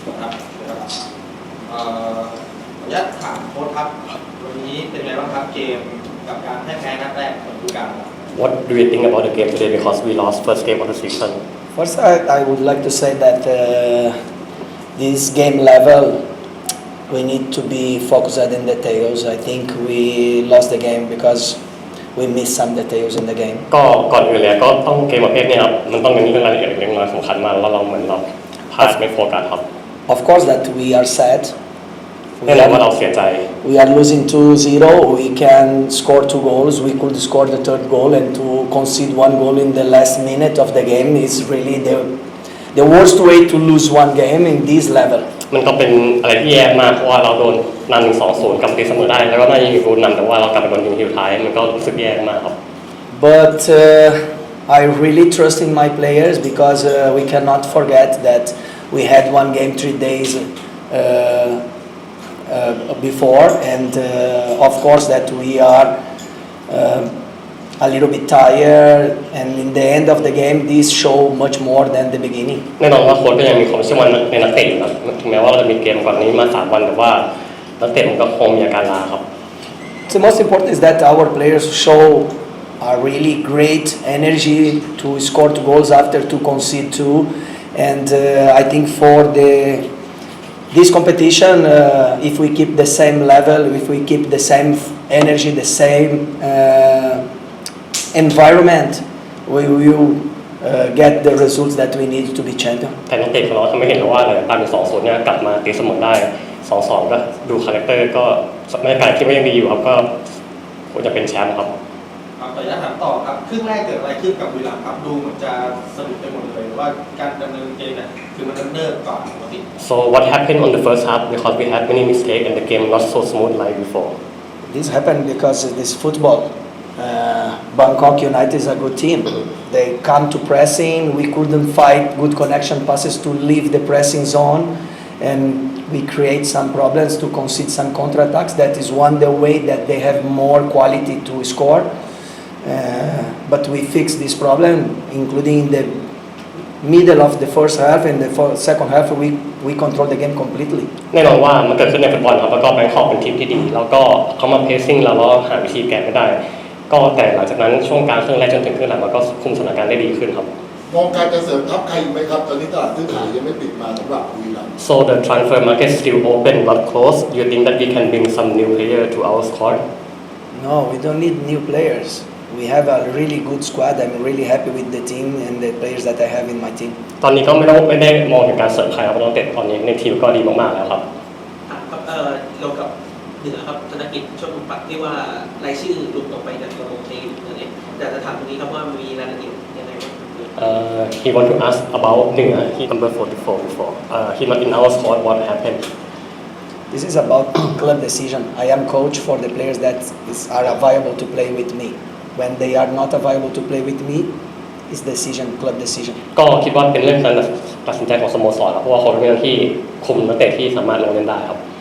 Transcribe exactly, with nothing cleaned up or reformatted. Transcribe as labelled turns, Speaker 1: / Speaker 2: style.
Speaker 1: ครับเอ่อขออนุญาตถามโค้ชครับวันนี้เป็นไงบ้างครับเกมกับการแพ้แพ้นัดแรกของฤดูกาล
Speaker 2: What do you think about the game today because we lost first game of the season?
Speaker 3: First, I, I would like to say that uh, this game level, we need to be focused in details. I think we lost the game because we missed some details in the game.
Speaker 2: ก็ก่อนอื่นเลยก็ต้องเกมประเภทนี้ครับมันต้องเป็นเรื่องรายละเอียดเล็กน้อยสำคัญมากแล้วเราเหมือนเราพลาดไม่โฟกัสครับ
Speaker 3: Of course, that we are sad.
Speaker 2: แน่นอนว่าเราเสียใจ
Speaker 3: We are losing two zero. We can score two goals. We could score the third goal, and to concede one goal in the last minute of the game is really the the worst way to lose one game in this level.
Speaker 2: มันก็เป็นอะไรที่แย่มากเพราะว่าเราโดนนำหนึ่งสองศูนย์กลับตีเสมอได้แล้วก็น่าจะยิงโดนนำแต่ว่าเรากลับไปโดนยิงทีสุดท้ายมันก็รู้สึกแย่มากครับ
Speaker 3: But uh, I really trust in my players because uh, we cannot forget that we had one game three days uh, uh, before, and uh, of course that we are uh, a little bit tired, and in the end of the game, this show much more than the beginning.
Speaker 2: แน่นอนว่าโค้ชก็ยังมีความเชื่อมั่นในนักเตะอยู่นะถึงแม้ว่าเราจะมีเกมก่อนนี้มาสามวันแต่ว่านักเตะมันก็คงมีอาการล้าครับ
Speaker 3: The most important is that our players show a really great energy to score two goals after to concede two, and uh, I think for the this competition, uh, if we keep the same level, if we keep the same energy, the same uh, environment, we will uh, get the results that we need to be champion.
Speaker 2: แต่นักเตะของเราทำให้เห็นว่าเลยตามเป็นสองศูนย์เนี่ยกลับมาตีเสมอได้สองสองก็ดูคาแรคเตอร์ก็บรรยากาศคิดว่ายังดีอยู่ครับก็ควรจะเป็นแชมป์ครับ
Speaker 1: ขออนุญาตถามต่อครับครึ่งแรกเกิดอะไรขึ้นกับบุรีรัมย์ครับดูเหมือนจะสนุกไปหมดเลยว่าการดำเนินเกมเนี่ยคือมันดำเนินก่อนปกติ
Speaker 2: So what happened on the first half because we had many mistakes and the game not so smooth like before.
Speaker 3: This happened because of this football. Uh, Bangkok United is a good team. They come to pressing. We couldn't fight good connection passes to leave the pressing zone, and we create some problems to concede some counterattacks. That is one the way that they have more quality to score. Uh, but we fixed this problem, including in the middle of the first half and the second half. We we control the game completely.
Speaker 2: แน่นอนว่ามันเกิดขึ้นในฟุตบอลครับแล้วก็แบงคอกเป็นทีมที่ดีแล้วก็เขามาเพรสซิ่งเราแล้วหาวิธีแก้ไม่ได้ก็แต่หลังจากนั้นช่วงกลางครึ่งแรกจนถึงครึ่งหลังมันก็คุมสถานการณ์ได้ดีขึ้นครับ
Speaker 4: มองการจะเสริมทัพใครอีกไหมครับตอนนี้ตลาดซื้อขายยังไม่ปิดมาสำหรับบุรีรัมย์
Speaker 2: So the transfer market still open not closed. You think that we can bring some new player to our squad?
Speaker 3: No, we don't need new players. We have a really good squad. I'm really happy with the team and the players that I have in my team.
Speaker 2: ตอนนี้ก็ไม่ต้องไม่ได้มองถึงการเสริมใครครับเพราะนักเตะตอนนี้ในทีมก็ดีมากๆแล้วครับ
Speaker 5: ครับเอ่อเกี่ยวกับเหนือครับธนกิจโชติปัตย์ที่ว่ารายชื่อหลุดออกไปจากตัวลงทีมเนี่ยแต่จะถามตรงนี้ครับว่ามีรายละเอียดยังไงบ้าง
Speaker 2: Uh, he want to ask about Nia. He number forty-four before. Uh, he not in our squad. What happened?
Speaker 3: This is about club decision. I am coach for the players that is, are available to play with me. When they are not available to play with me, it's decision, club decision.
Speaker 2: ก็คิดว่าเป็นเรื่องการตัดสินใจของสโมสรครับเพราะว่าเขาเป็นเรื่องที่คุมนักเตะที่สามารถลงเล่นได้ครับ